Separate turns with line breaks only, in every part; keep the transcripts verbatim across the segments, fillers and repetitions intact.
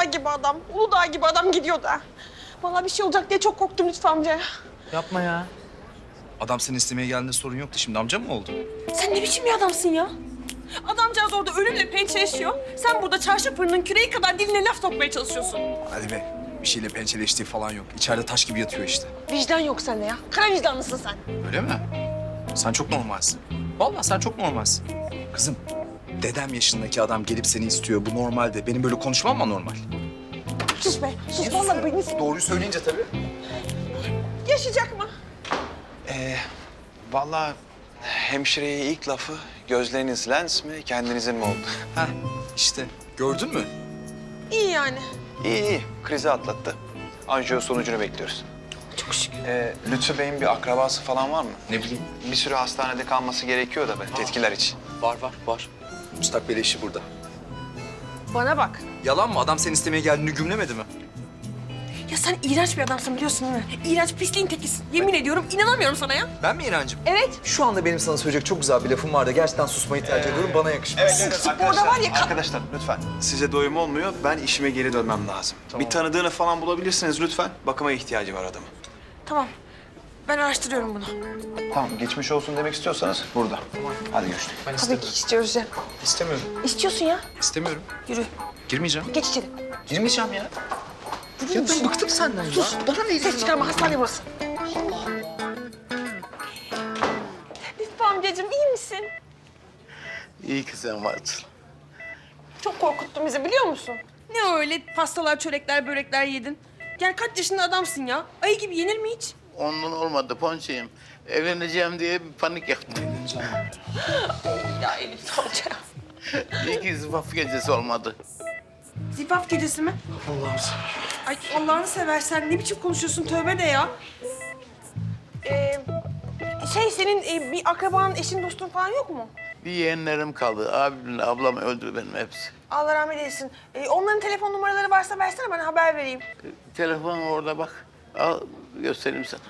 gibi adam, Uludağ gibi adam gidiyor da. Vallahi bir şey olacak diye çok korktum Lütfü amca.
Yapma ya.
Adam seni istemeye geldiğinde sorun yoktu. Şimdi amcam mı oldu?
Sen ne biçim bir adamsın ya? Adamcağız orada ölümle pençeleşiyor. Sen burada çarşı fırının küreği kadar diline laf sokmaya çalışıyorsun.
Hadi be. Bir şeyle pençeleştiği falan yok. İçeride taş gibi yatıyor işte.
Vicdan yok sende ya. Kara vicdanlısın sen.
Öyle mi? Sen çok normalsin. Vallahi sen çok normalsin. Kızım, dedem yaşındaki adam gelip seni istiyor. Bu normalde. Benim böyle konuşmam mı normal?
Sus be. Sus vallahi beni...
Doğruyu söyleyince tabii.
Yaşayacak mı?
Ee, vallahi hemşireye ilk lafı gözleriniz lens mi, kendinizin mi oldu?
Heh, işte. Gördün mü?
İyi yani.
İyi iyi, krizi atlattı. Anjiyo sonucunu bekliyoruz.
Çok şükür.
Ee, Lütfü Bey'in bir akrabası falan var mı?
Ne bileyim.
Bir süre hastanede kalması gerekiyor da be, tetkiler için.
Var var var. Müstakbel eşi burada.
Bana bak.
Yalan mı? Adam seni istemeye geldiğini gümlemedi mi?
Ya sen iğrenç bir adamsın biliyorsun değil mi? İğrenç pisliğin tekisin. Yemin ediyorum inanamıyorum sana ya.
Ben mi İrancığım?
Evet.
Şu anda benim sana söyleyecek çok güzel bir lafım var da gerçekten susmayı tercih ediyorum. Bana yakışmaz.
Sporda var ya...
Arkadaşlar lütfen. Size doyum olmuyor, ben işime geri dönmem lazım. Bir tanıdığını falan bulabilirsiniz lütfen. Bakıma ihtiyacı var adamın.
Tamam. Ben araştırıyorum bunu.
Tamam, geçmiş olsun demek istiyorsanız burada. Tamam. Hadi görüşürüz.
Ben
Tabii
istemiyorum.
ki istiyoruz ya.
İstemiyorum.
İstiyorsun ya.
İstemiyorum.
Yürü.
Girmeyeceğim.
Geç içeri.
Girmeyeceğim ya. Ya ben bıktım senden ya.
Sus. Bana ne ses çıkarma. Hastane burası. Lütfü amcacığım iyi misin?
İyi ki sen varsın.
Çok korkuttun bizi biliyor musun? Ne öyle pastalar, çörekler, börekler yedin? Gel kaç yaşında adamsın ya? Ayı gibi yenir mi hiç?
Ondan olmadı Ponçayım. Evleneceğim diye bir panik yaptım.
Ya Elif amca.
İyi ki zıfaf gecesi olmadı.
Zifaf gecesi mi?
Allah'ım sen.
Ay Allah'ını seversen ne biçim konuşuyorsun tövbe de ya. Ee, şey senin e, bir akraban, eşin, dostun falan yok mu?
Bir yeğenlerim kaldı. Abimle ablam öldü benim hepsi.
Allah rahmet eylesin. Ee, onların telefon numaraları varsa versene bana haber vereyim.
Telefon orada bak. Al göstereyim sana.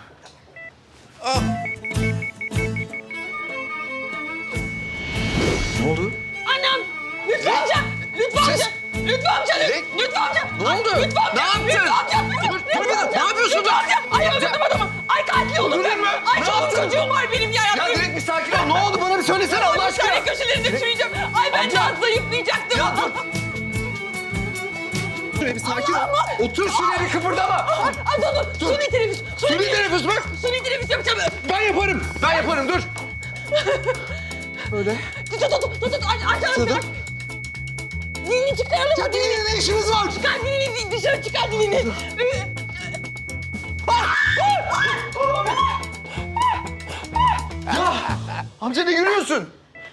Ne oldu?
Anam! Lütfü amca! Lütfü amca! Lütfü amca! Lütfü amca!
Ne oldu?
Lütfü amca!
Ne yaptın?
Lütfü amca!
Dur, dur bir dakika. Ne yapıyorsun?
Lütfü amca! Ay öldürdüm adamı! Ay katil oldum ben!
Öldürdün mü?
Ay
Ne
çoluk
yaptın?
çocuğum var benim ya!
Ya direkt bir sakin ol. Ne oldu? Bana bir söylesene Allah aşkına.
Şöyle köşelerinde çürüyeceğim. Ay ben de az zayıflayacaktım.
Ya dur. Şuraya bir sakin ol. Otur şuraya bir kıpırdama.
Ay, ay dur dur. Suni teneffüs.
Suni teneffüs bak.
Suni teneffüs yapacağım.
Ben yaparım. Ben yaparım dur. Böyle.
Tut tut tut tut tut. Aç aç aç.
Şurada.
aç. Dilini çıkaralım.
Ya dilinin ne işimiz var?
Çıkar dilini dışarı çıkar dilini.
Ya amca ne gülüyorsun?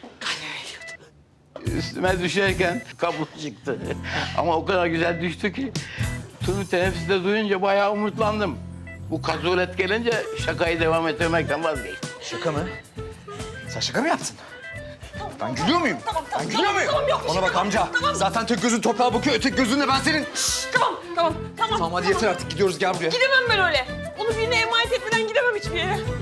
Üstüme düşerken kabuk çıktı. Ama o kadar güzel düştü ki... ...Tunu teneffüste duyunca bayağı umutlandım. Bu kazulet gelince şakayı devam ettirmekten vazgeçtim.
Şaka mı? Sen şaka mı yaptın? Ben gülüyor muyum?
Tamam, tamam,
Ben gülüyor
tamam,
muyum?
tamam, yok bir
Bana
şey,
bak
tamam,
amca.
tamam.
Zaten tek gözün toprağa bakıyor, öteki gözünle ben senin...
Tamam tamam tamam.
Tamam hadi yeter artık gidiyoruz gel buraya.
Gidemem ben öyle. Onu birine emanet etmeden gidemem hiçbir yere.